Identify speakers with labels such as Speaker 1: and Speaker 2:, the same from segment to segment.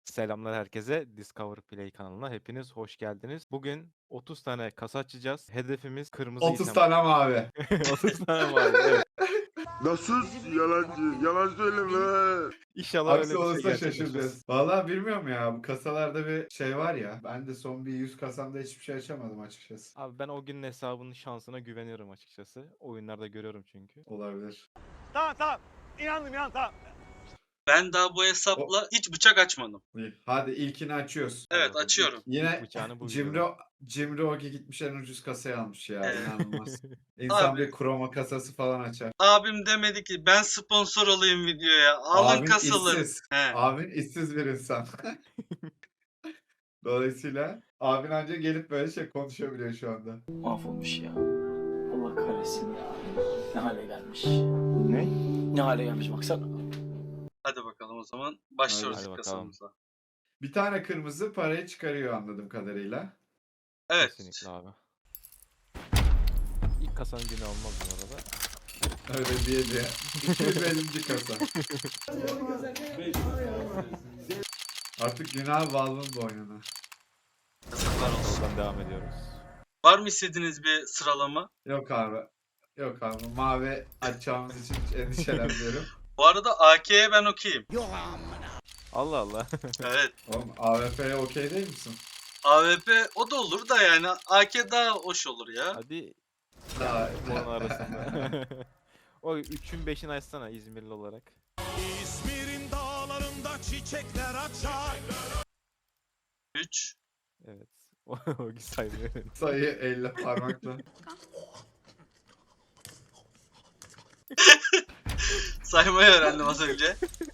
Speaker 1: Selamlar herkese. Discover Play kanalına hepiniz hoş geldiniz. Bugün 30 tane kasa açacağız. Hedefimiz kırmızı
Speaker 2: 30
Speaker 1: item.
Speaker 2: tane mavi.
Speaker 1: 30 tane var. Evet.
Speaker 3: Nasıl yalancı? Yalan söyleme.
Speaker 1: İnşallah
Speaker 2: Aksi
Speaker 1: öyle bir şey
Speaker 2: olursa
Speaker 1: gerçekleşmez.
Speaker 2: şaşıracağız. Valla bilmiyorum ya. Bu kasalarda bir şey var ya. Ben de son bir 100 kasamda hiçbir şey açamadım açıkçası.
Speaker 1: Abi ben o günün hesabının şansına güveniyorum açıkçası. Oyunlarda görüyorum çünkü.
Speaker 2: Olabilir.
Speaker 4: Tamam. İnandım tamam.
Speaker 5: Ben daha bu hesapla hiç bıçak açmadım.
Speaker 2: İyi. Hadi ilkini açıyoruz.
Speaker 5: Evet
Speaker 1: Bakalım.
Speaker 5: açıyorum.
Speaker 2: Yine
Speaker 1: Bıçağını bu
Speaker 2: Cimri Ogi gitmiş en ucuz kasayı almış ya.
Speaker 5: Evet.
Speaker 2: İnanılmaz. İnsan
Speaker 5: Abi.
Speaker 2: bir kroma kasası falan açar.
Speaker 5: Abim demedi ki ben sponsor olayım videoya. Alın
Speaker 2: Abin
Speaker 5: kasaları.
Speaker 2: işsiz.
Speaker 5: He.
Speaker 2: Abin işsiz bir insan. Dolayısıyla abin anca gelip böyle şey konuşabiliyor şu anda.
Speaker 6: Mahvolmuş ya. Allah kahretsin ya. Ne hale gelmiş.
Speaker 1: Ne?
Speaker 6: Ne hale gelmiş baksana.
Speaker 5: Hadi bakalım o zaman. Başlıyoruz
Speaker 1: Hadi
Speaker 5: ilk
Speaker 1: bakalım.
Speaker 5: kasamıza.
Speaker 2: Bir tane kırmızı parayı çıkarıyor anladığım kadarıyla.
Speaker 5: Evet.
Speaker 1: Kesinlikle abi. İlk kasanın günü olmaz bu arada.
Speaker 2: Öyle diye. 250. kasa. Artık günah Valve'ın boynuna.
Speaker 5: Yazıklar olsun.
Speaker 1: Oradan devam ediyoruz.
Speaker 5: Var mı istediğiniz bir sıralama?
Speaker 2: Yok abi. Yok abi. Mavi açacağımız için hiç endişelenmiyorum.
Speaker 5: Bu arada AK'ye ben okeyim.
Speaker 1: Allah Allah.
Speaker 5: Evet.
Speaker 2: Oğlum AWP'ye okey değil misin?
Speaker 5: AWP o da olur da yani AK daha hoş olur ya.
Speaker 1: Hadi
Speaker 2: Daha,
Speaker 1: onun arasında. O 3'ün 5'ini açsana İzmirli olarak.
Speaker 4: İzmir'in dağlarında çiçekler açar.
Speaker 5: 3.
Speaker 1: Evet. O saymıyor.
Speaker 2: sayı elle parmakla.
Speaker 5: Saymayı öğrendim az önce.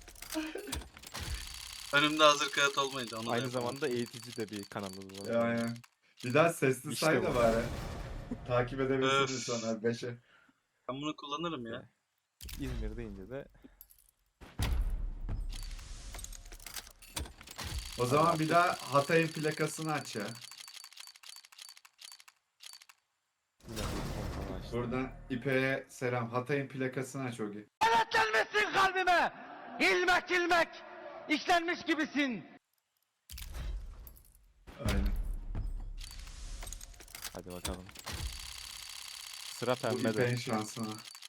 Speaker 5: Önümde hazır kağıt olmayınca onu da
Speaker 1: Aynı
Speaker 5: yapamam.
Speaker 1: zamanda eğitici de bir kanalımız var.
Speaker 2: Yani. Bir daha sesli
Speaker 1: İşte
Speaker 2: say
Speaker 1: bu.
Speaker 2: da bari. Takip edebilsin
Speaker 5: Öf.
Speaker 2: insanlar 5'e.
Speaker 5: Ben bunu kullanırım ya.
Speaker 1: İzmir deyince de
Speaker 2: O zaman bir daha Hatay'ın plakasını aç ya.
Speaker 1: yine bir kontrol açtım.
Speaker 2: Buradan İpek'e selam. Hatay'ın plakasını aç Ogi.
Speaker 4: Gelmesin kalbime. İlmek işlenmiş gibisin.
Speaker 2: Aynen.
Speaker 1: Hadi bakalım. Sıra
Speaker 2: Bu
Speaker 1: pembe
Speaker 2: İpek'in
Speaker 1: de.
Speaker 2: şansına.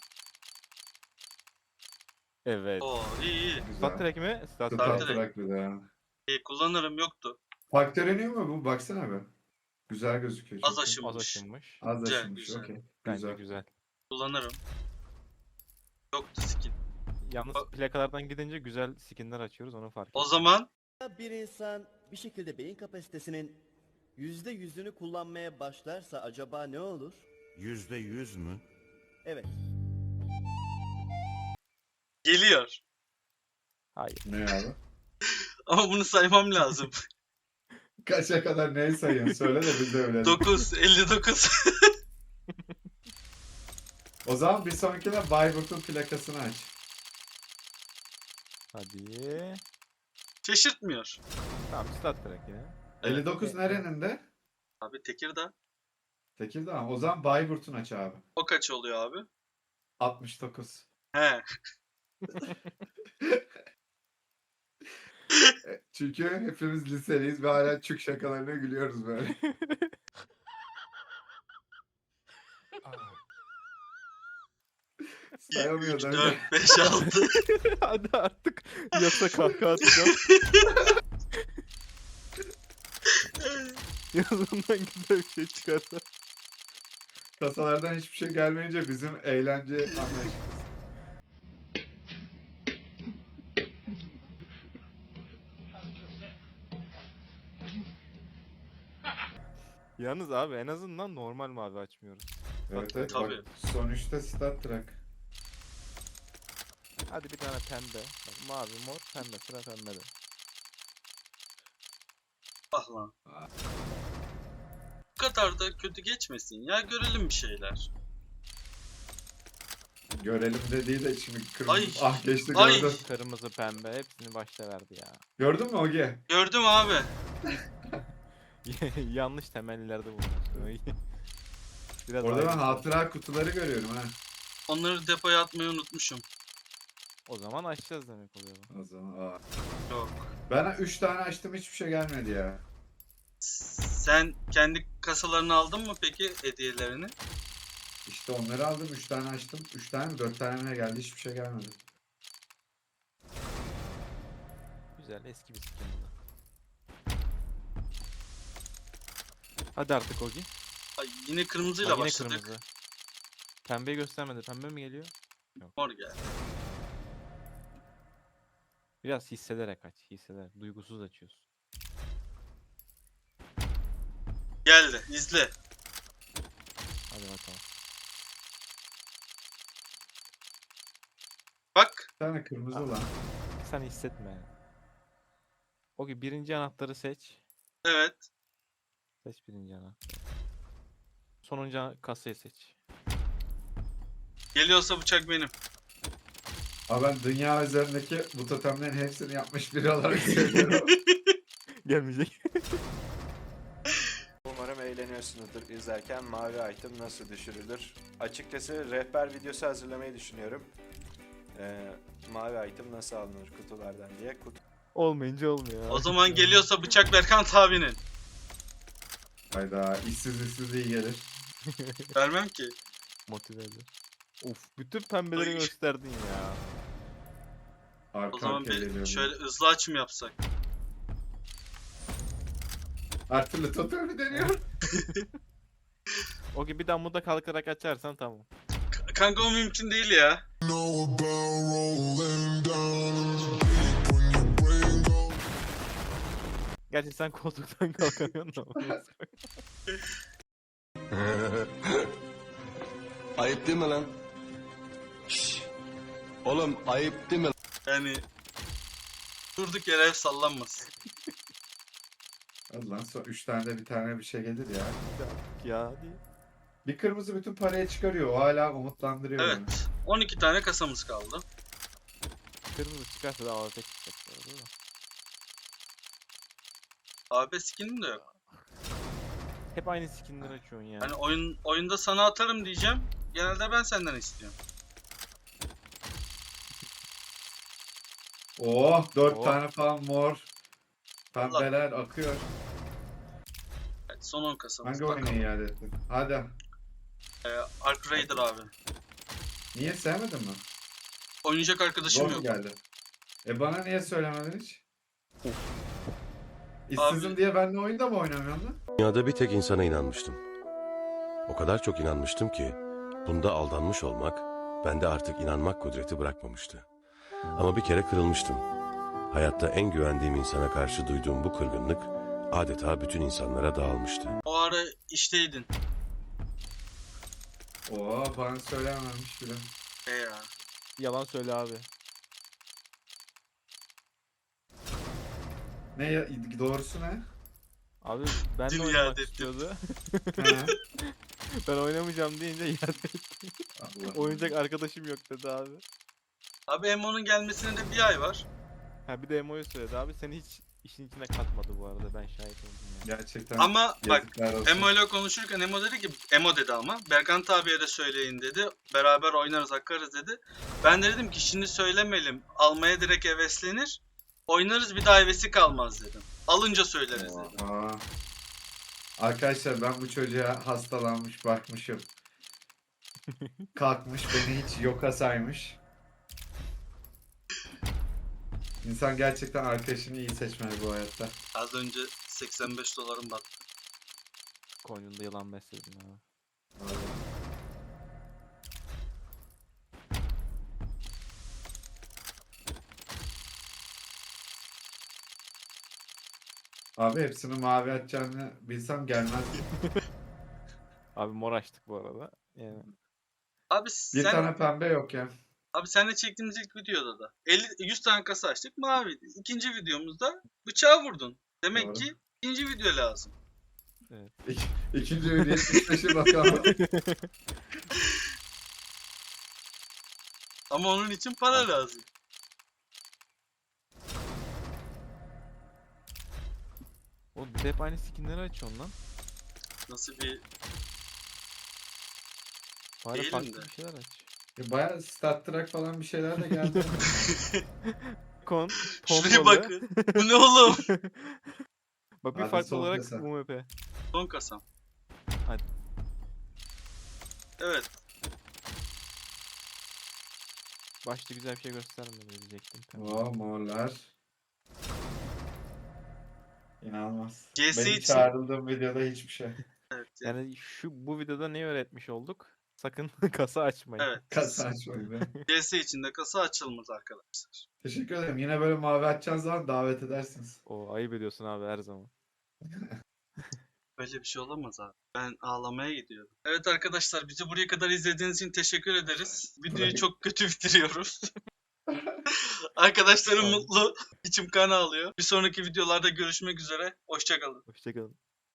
Speaker 1: Evet.
Speaker 5: Oo iyi.
Speaker 2: Güzel.
Speaker 1: Stat Trek mi? Stat
Speaker 5: Star
Speaker 2: Star
Speaker 1: Trek.
Speaker 5: Trek.
Speaker 2: Trek bir daha.
Speaker 5: İyi kullanırım yoktu.
Speaker 2: Faktöre mu bu? Baksana be. Güzel gözüküyor.
Speaker 5: Az
Speaker 2: çok iyi.
Speaker 5: aşım.
Speaker 1: Az aşınmış.
Speaker 2: Az
Speaker 5: Güzel,
Speaker 2: aşınmış.
Speaker 5: güzel.
Speaker 2: Okey.
Speaker 1: Bence
Speaker 2: Güzel.
Speaker 1: güzel.
Speaker 5: Kullanırım. Yoktu skin.
Speaker 1: Yalnız plakalardan gidince güzel skinler açıyoruz onu fark ettim.
Speaker 5: O zaman
Speaker 7: Bir insan bir şekilde beyin kapasitesinin %100'ünü kullanmaya başlarsa acaba ne olur?
Speaker 3: %100 mü?
Speaker 7: Evet.
Speaker 5: geliyor.
Speaker 1: Hayır.
Speaker 2: Ne abi?
Speaker 5: Ama bunu saymam lazım.
Speaker 2: Kaça kadar neyi sayıyorsun? Söyle de biz de öyle.
Speaker 5: 9, 59.
Speaker 2: O zaman bir sonrakine Bayburt'un plakasını aç.
Speaker 1: Hadi.
Speaker 5: Şaşırtmıyor.
Speaker 1: Tamam Stat Trek yine.
Speaker 2: 59 nerenin de?
Speaker 5: Abi Tekirdağ.
Speaker 2: Tekirdağ mı? O zaman Bayburt'un aç abi.
Speaker 5: O kaç oluyor abi?
Speaker 2: 69.
Speaker 5: He.
Speaker 2: Çünkü hepimiz liseliyiz ve hala çük şakalarına gülüyoruz böyle. Sayamıyor
Speaker 5: 3,
Speaker 2: değil
Speaker 5: 4,
Speaker 2: mi?
Speaker 5: 5, 6.
Speaker 1: Hadi artık. Yoksa kahkaha atacağım. Yazından güzel bir şey çıkarsa.
Speaker 2: Kasalardan hiçbir şey gelmeyince bizim eğlence anlayışımız.
Speaker 1: Yalnız abi en azından normal mavi açmıyoruz.
Speaker 2: Evet evet.
Speaker 5: Tabii.
Speaker 2: Bak, sonuçta Star Trek.
Speaker 1: Hadi bir tane pembe. Bak, mavi, mor, pembe. Sıra pembede.
Speaker 5: Ah lan. Bu kadar da kötü geçmesin ya. Görelim bir şeyler.
Speaker 2: Görelim dediği de şimdi kırmızı.
Speaker 5: Ay.
Speaker 2: Ah geçti
Speaker 5: Ay.
Speaker 2: gördüm.
Speaker 1: Kırmızı, pembe hepsini başta verdi ya.
Speaker 2: Gördün mü Ogi?
Speaker 5: Gördüm abi.
Speaker 1: Yanlış temellilerde bulunmuş. Biraz
Speaker 2: Orada ben
Speaker 1: ayrı.
Speaker 2: hatıra kutuları görüyorum ha.
Speaker 5: Onları depoya atmayı unutmuşum.
Speaker 1: O zaman açacağız demek oluyor bu.
Speaker 2: O zaman aa.
Speaker 5: Yok.
Speaker 2: Ben 3 tane açtım hiçbir şey gelmedi ya.
Speaker 5: Sen kendi kasalarını aldın mı peki hediyelerini?
Speaker 2: İşte onları aldım 3 tane açtım. 3 tane mi 4 tane mi ne geldi hiçbir şey gelmedi.
Speaker 1: Güzel eski bir skin bu da. Hadi artık Ogi.
Speaker 5: Ay, yine
Speaker 1: Bak
Speaker 5: kırmızıyla
Speaker 1: yine
Speaker 5: başladık.
Speaker 1: kırmızı. Pembeyi göstermedi. Pembe mi geliyor?
Speaker 5: Mor geldi.
Speaker 1: Biraz hissederek aç. Hissederek. Duygusuz açıyorsun.
Speaker 5: Geldi. İzle.
Speaker 1: Hadi bakalım.
Speaker 5: Bak.
Speaker 2: Bir tane kırmızı
Speaker 1: Aa.
Speaker 2: lan.
Speaker 1: Sen hissetme yani. Ogi birinci anahtarı seç.
Speaker 5: Evet.
Speaker 1: Seç birinci anahtarı. Sonuncu kasayı seç.
Speaker 5: Geliyorsa bıçak benim.
Speaker 2: Ama ben dünya üzerindeki bu totemlerin hepsini yapmış biri olarak söylüyorum.
Speaker 1: Gelmeyecek.
Speaker 8: Umarım eğleniyorsunuzdur izlerken mavi item nasıl düşürülür. Açıkçası rehber videosu hazırlamayı düşünüyorum. Mavi item nasıl alınır kutulardan diye.
Speaker 1: Olmayınca olmuyor.
Speaker 5: O zaman geliyorsa bıçak Berkant abinin.
Speaker 2: Hayda işsiz iyi gelir.
Speaker 5: Vermem ki.
Speaker 1: Motive eder. Of bütün pembeleri
Speaker 5: Ay.
Speaker 1: gösterdin ya.
Speaker 2: Arka
Speaker 5: O zaman
Speaker 2: arkaya geliyorum.
Speaker 5: bir şöyle hızlı açım yapsak.
Speaker 2: Her türlü totemi deniyor.
Speaker 1: Ogi bir dambuda kalkarak açarsan tamam.
Speaker 5: Kanka o mümkün değil ya.
Speaker 1: Gerçi sen koltuktan kalkamıyorsun ama.
Speaker 3: Ayıp değil mi lan? Şşş. Oğlum ayıp değil mi?
Speaker 5: Yani durduk yere ev sallanmasın.
Speaker 2: Hadi lan son 3 tane de bir tane bir şey gelir ya.
Speaker 1: Ya diye.
Speaker 2: Bir kırmızı bütün parayı çıkarıyor. O hala umutlandırıyor beni.
Speaker 5: Evet. 12 tane kasamız kaldı.
Speaker 1: Kırmızı çıkarsa da AWP çıkacak bu arada da.
Speaker 5: AB skinim de yok.
Speaker 1: Hep aynı skinleri açıyorsun ya.
Speaker 5: Hani oyunda sana atarım diyeceğim. Genelde ben senden istiyorum.
Speaker 2: Oh 4
Speaker 1: Oh.
Speaker 2: tane falan mor. Pembeler akıyor.
Speaker 5: Evet, son 10 kasamız.
Speaker 2: Hangi oyunu iade ettin? Hadi.
Speaker 5: Ark Raider abi.
Speaker 2: Niye sevmedin mi?
Speaker 5: Oynayacak arkadaşım
Speaker 2: Zor mu
Speaker 5: yok.
Speaker 2: geldi? Bana niye söylemedin hiç? İşsizim
Speaker 5: Abi-
Speaker 2: diye benimle oyunda mı oynamıyorsun lan?
Speaker 3: Dünyada bir tek insana inanmıştım. O kadar çok inanmıştım ki bunda aldanmış olmak bende artık inanmak kudreti bırakmamıştı. Ama bir kere kırılmıştım. Hayatta en güvendiğim insana karşı duyduğum bu kırgınlık adeta bütün insanlara dağılmıştı.
Speaker 5: O ara işteydin.
Speaker 2: Oo bana söylememiş bile.
Speaker 5: Ya.
Speaker 1: Yalan söyle abi.
Speaker 2: Ne ya, doğrusu ne?
Speaker 1: Abi ben de
Speaker 5: Dün
Speaker 1: oynamak
Speaker 5: iade ettim.
Speaker 1: istiyordu.
Speaker 2: He.
Speaker 1: Ben oynamayacağım deyince iade etti.
Speaker 2: Allah.
Speaker 1: Oynayacak arkadaşım yok dedi abi.
Speaker 5: Abi Emo'nun gelmesine de bir ay var.
Speaker 1: Ha bir de Emo'yu söyledi abi. Seni hiç işin içine katmadı bu arada. Ben şahit oldum ya.
Speaker 2: Gerçekten
Speaker 5: Ama bak
Speaker 2: yazıklar olsun.
Speaker 5: Emo ile konuşurken Emo dedi ki Emo dedi ama Berkant abiye de söyleyin dedi. Beraber oynarız akarız dedi. Ben de dedim ki şimdi söylemeyelim. Almaya direkt heveslenir. Oynarız bir daha hevesi kalmaz dedim. Alınca söyleriz dedim.
Speaker 2: Aa. Arkadaşlar ben bu çocuğa hastalanmış bakmışım. Kalkmış beni hiç yoka saymış. İnsan gerçekten arkadaşını iyi seçmeli bu hayatta.
Speaker 5: Az önce 85 dolarım battı.
Speaker 1: Koynunda yılan besledin abi.
Speaker 2: Abi hepsini mavi atacağını bilsem gelmezdim.
Speaker 1: Abi mor açtık bu arada. Yani
Speaker 5: Abi
Speaker 2: Bir
Speaker 5: sen
Speaker 2: tane pembe yok ya.
Speaker 5: abi seninle çektiğimiz ilk videoda da 100 tane kasa açtık maviydi. İkinci videomuzda bıçağı vurdun. Demek
Speaker 2: Doğru.
Speaker 5: ki ikinci video lazım.
Speaker 2: İkinci video 75'e bakalım.
Speaker 5: Ama onun için para lazım.
Speaker 1: oğlum biz hep aynı skinleri açıyorsun lan.
Speaker 5: Nasıl bir
Speaker 1: Bari
Speaker 5: Değilim
Speaker 1: farklı
Speaker 5: de.
Speaker 1: bir şeyler aç.
Speaker 2: Baya stat track falan bir şeyler de geldi.
Speaker 1: Falcon,
Speaker 5: Şuraya
Speaker 1: pompalı.
Speaker 5: bakın. Bu ne oğlum?
Speaker 1: Bak bir
Speaker 2: Hadi
Speaker 1: farklı
Speaker 2: son
Speaker 1: olarak
Speaker 2: kasa.
Speaker 1: UMP.
Speaker 5: Son kasam.
Speaker 1: Hadi.
Speaker 5: Evet.
Speaker 1: Başta güzel bir şey göstermedi diyecektim.
Speaker 2: Oo morlar. İnanılmaz.
Speaker 5: GS
Speaker 2: Benim
Speaker 5: için-
Speaker 2: çağrıldığım videoda hiçbir şey.
Speaker 5: Evet. Yani.
Speaker 1: Yani bu videoda ne öğretmiş olduk? Sakın kasa açmayın.
Speaker 5: Evet.
Speaker 2: Kasa açmayı be.
Speaker 5: GS içinde kasa açılmaz arkadaşlar.
Speaker 2: Teşekkür ederim. Yine böyle mavi açacağınız zaman davet edersiniz.
Speaker 1: O ayıp ediyorsun abi her zaman.
Speaker 5: Böyle bir şey olamaz abi. Ben ağlamaya gidiyorum. Evet arkadaşlar, bizi buraya kadar izlediğiniz için teşekkür ederiz. Videoyu
Speaker 2: Bırak.
Speaker 5: çok kötü bitiriyoruz. Arkadaşlarım
Speaker 2: Tamam.
Speaker 5: mutlu. İçim kan ağlıyor. Bir sonraki videolarda görüşmek üzere. Hoşça kalın.
Speaker 1: Hoşçakalın.